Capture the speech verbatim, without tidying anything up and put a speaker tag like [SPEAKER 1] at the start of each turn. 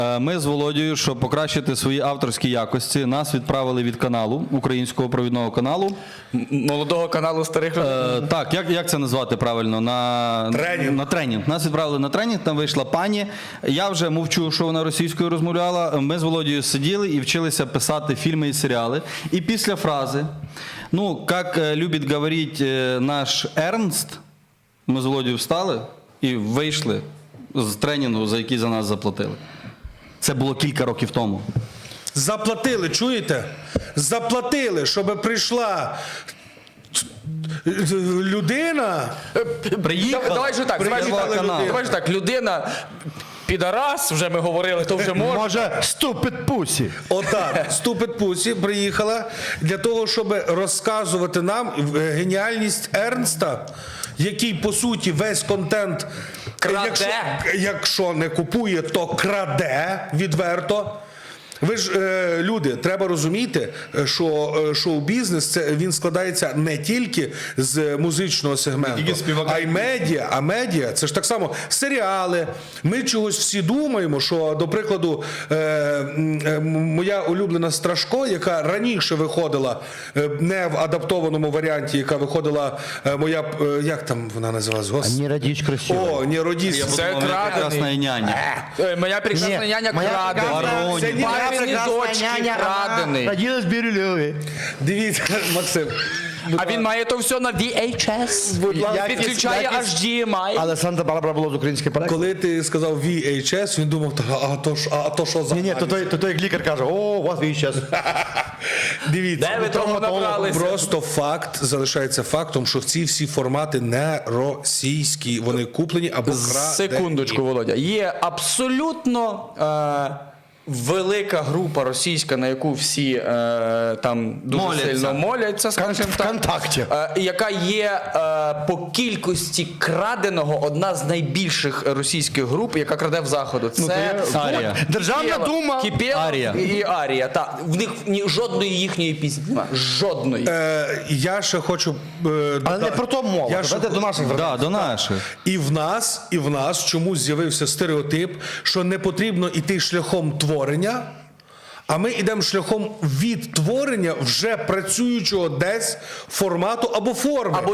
[SPEAKER 1] Ми з Володією, щоб покращити свої авторські якості, нас відправили від каналу, українського провідного каналу.
[SPEAKER 2] Молодого каналу старих людей.
[SPEAKER 1] Е, так, як, як це назвати правильно? На
[SPEAKER 3] тренінг.
[SPEAKER 1] на тренінг. Нас відправили на тренінг, там вийшла пані. Я вже мовчу, що вона російською розмовляла. Ми з Володією сиділи і вчилися писати фільми і серіали. І після фрази, ну, як любить говорити наш Ернст, ми з Володією встали і вийшли з тренінгу, за який за нас заплатили. Це було кілька років тому.
[SPEAKER 3] Заплатили, чуєте? Заплатили, щоб прийшла людина.
[SPEAKER 1] Приїхала,
[SPEAKER 2] Давай же так, давай же
[SPEAKER 1] приїхала
[SPEAKER 2] так,
[SPEAKER 1] канал.
[SPEAKER 2] давай же так, людина, підарас, вже ми говорили, то вже можна.
[SPEAKER 4] Може, ступить пусі.
[SPEAKER 3] Отак, Ступид Пусі приїхала для того, щоб розказувати нам геніальність Ернста, який, по суті, весь контент,
[SPEAKER 2] Краде.
[SPEAKER 3] Якщо, якщо не купує, то краде відверто. Ви ж, е, люди, треба розуміти, що е, шоу-бізнес, це, він складається не тільки з музичного сегменту, а й медіа. А медіа, це ж так само серіали. Ми чогось всі думаємо, що, до прикладу, е, е, моя улюблена Страшко, яка раніше виходила, е, не в адаптованому варіанті, яка виходила е, моя, е, як там вона називалась? Гос...
[SPEAKER 4] Не родись красиво.
[SPEAKER 3] О, не родись.
[SPEAKER 2] Це
[SPEAKER 1] Моя прекрасна
[SPEAKER 2] крадений.
[SPEAKER 1] няня.
[SPEAKER 2] Е, Моя прекрасна
[SPEAKER 4] Ні,
[SPEAKER 2] няня
[SPEAKER 4] моя
[SPEAKER 2] крадений.
[SPEAKER 4] прекрасна-
[SPEAKER 3] Це не
[SPEAKER 2] Папині дочки крадений.
[SPEAKER 4] Родилась в Бирюлеві.
[SPEAKER 3] Дивіться, Максим.
[SPEAKER 2] А він має то все на ві ейч ес.
[SPEAKER 4] ласка.
[SPEAKER 2] Підключає
[SPEAKER 4] Якісь-
[SPEAKER 2] аж ді ем ай.
[SPEAKER 4] Але Санта-Барбара було з української проекти.
[SPEAKER 3] Коли ти сказав ві ейч ес, він думав, «Та, а то, ж- а то що за
[SPEAKER 4] Ні, ні, то той, то той як лікар каже, о, у вас віч час.
[SPEAKER 3] Дивіться,
[SPEAKER 2] Де ви того набралися?
[SPEAKER 3] просто факт залишається фактом, що ці всі формати не російські, вони куплені або крадені.
[SPEAKER 2] Секундочку, Володя. Є абсолютно е, велика група російська, на яку всі е, там дуже
[SPEAKER 1] Моляться.
[SPEAKER 2] сильно моляться, скажімо так.
[SPEAKER 4] ВКонтакті.
[SPEAKER 2] Е, яка є е, по кількості краденого одна з найбільших російських груп, яка краде в Заходу. Це
[SPEAKER 1] Арія.
[SPEAKER 4] Державна
[SPEAKER 2] Кипєва-
[SPEAKER 4] дума.
[SPEAKER 2] Кипєва
[SPEAKER 1] Арія.
[SPEAKER 2] і, і Арія. Так. В них ні, жодної їхньої пісні немає. Жодної.
[SPEAKER 3] Е, я ще хочу... Е,
[SPEAKER 4] Але
[SPEAKER 3] додати.
[SPEAKER 4] не про то мова.
[SPEAKER 3] Я ще
[SPEAKER 4] Давайте до наших
[SPEAKER 1] Да,
[SPEAKER 4] вертаємося.
[SPEAKER 1] до наших.
[SPEAKER 3] І в нас, і в нас чомусь з'явився стереотип, що не потрібно йти шляхом творення, а ми йдемо шляхом відтворення вже працюючого десь формату або форми.
[SPEAKER 2] Або